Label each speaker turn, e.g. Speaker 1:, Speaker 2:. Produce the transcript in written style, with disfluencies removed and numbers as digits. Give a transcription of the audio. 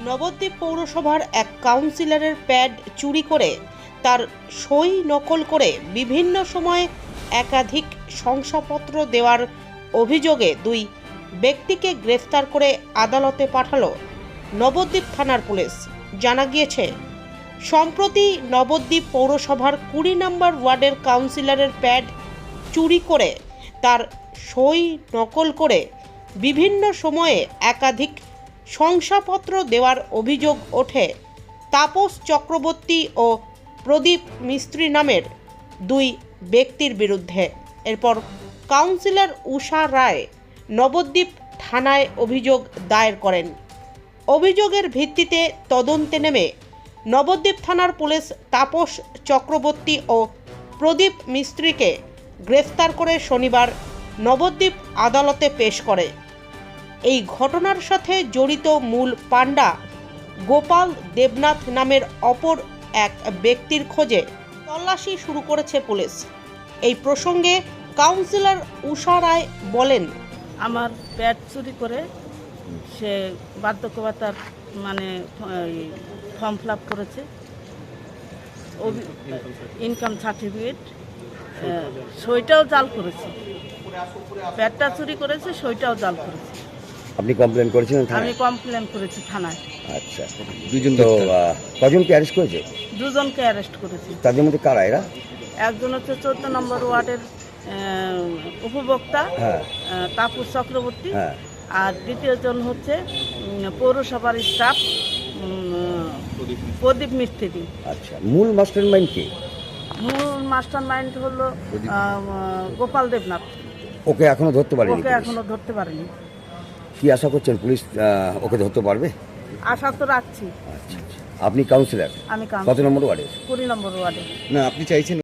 Speaker 1: নবদ্বীপ পৌরসভার এক কাউন্সিলরের প্যাড চুরি করে তার সই নকল করে বিভিন্ন সময়ে একাধিক শংসাপত্র দেওয়ার অভিযোগে দুই ব্যক্তিকে গ্রেফতার করে আদালতে পাঠালো নবদ্বীপ থানার পুলিশ। জানা গিয়েছে, সম্প্রতি নবদ্বীপ পৌরসভার 20 নম্বর ওয়ার্ডের কাউন্সিলরের প্যাড চুরি করে তার সই নকল করে বিভিন্ন সময়ে একাধিক শংসাপত্র দেওয়ার অভিযোগ ওঠে তাপস চক্রবর্তী ও প্রদীপ মিস্ত্রি নামের দুই ব্যক্তির বিরুদ্ধে। এরপর কাউন্সিলর উষা রায় নবদ্বীপ থানায় অভিযোগ দায়ের করেন। অভিযোগের ভিত্তিতে তদন্তে নেমে নবদ্বীপ থানার পুলিশ তাপস চক্রবর্তী ও প্রদীপ মিস্ত্রিকে গ্রেফতার করে শনিবার নবদ্বীপ আদালতে পেশ করে। এই ঘটনার সাথে জড়িত মূল পাণ্ডা গোপাল দেবনাথ নামের অপর এক ব্যক্তির খোঁজে তল্লাশি শুরু করেছে পুলিশ। এই প্রসঙ্গে কাউন্সিলর উষা রায় বলেন,
Speaker 2: আমার প্যাড চুরি করে সে বার্ধক্যভাতার ফর্ম ফিল আপ করেছে, ইনকাম সার্টিফিকেট, সইটাও জাল করেছে। প্যাডটা চুরি করেছে, সইটাও জাল করেছে।
Speaker 3: আপনি কমপ্লেন করেছিলেন?
Speaker 2: আমি কমপ্লেন করেছি থানায়।
Speaker 3: আচ্ছা, দুজন তো কজনকে অ্যারেস্ট করেছে?
Speaker 2: দুজনকে অ্যারেস্ট করেছি।
Speaker 3: তাদের মধ্যে কারা এরা?
Speaker 2: একজন হচ্ছে 14 নম্বর ওয়ার্ডের উপভোক্তা তাপস চক্রবর্তী, আর দ্বিতীয়জন হচ্ছে পৌরসভার স্টাফ প্রদীপ মিস্ত্রি।
Speaker 3: আচ্ছা, মূল মাস্টার মাইন্ড কে?
Speaker 2: মূল মাস্টার মাইন্ড হলো গোপাল দেবনাথ।
Speaker 3: ওকে এখনো ধরতে পারেনি?
Speaker 2: ওকে এখনো ধরতে পারেনি।
Speaker 3: কি আশা করছেন পুলিশ ওকে ধরতে পারবে?
Speaker 2: আশা তো রাখছি।
Speaker 3: আচ্ছা, আপনি কাউন্সিলর?
Speaker 2: আমি
Speaker 3: কত নম্বর ওয়ার্ডে?
Speaker 2: 20 নম্বর ওয়ার্ডে।
Speaker 3: না, আপনি চাইছেন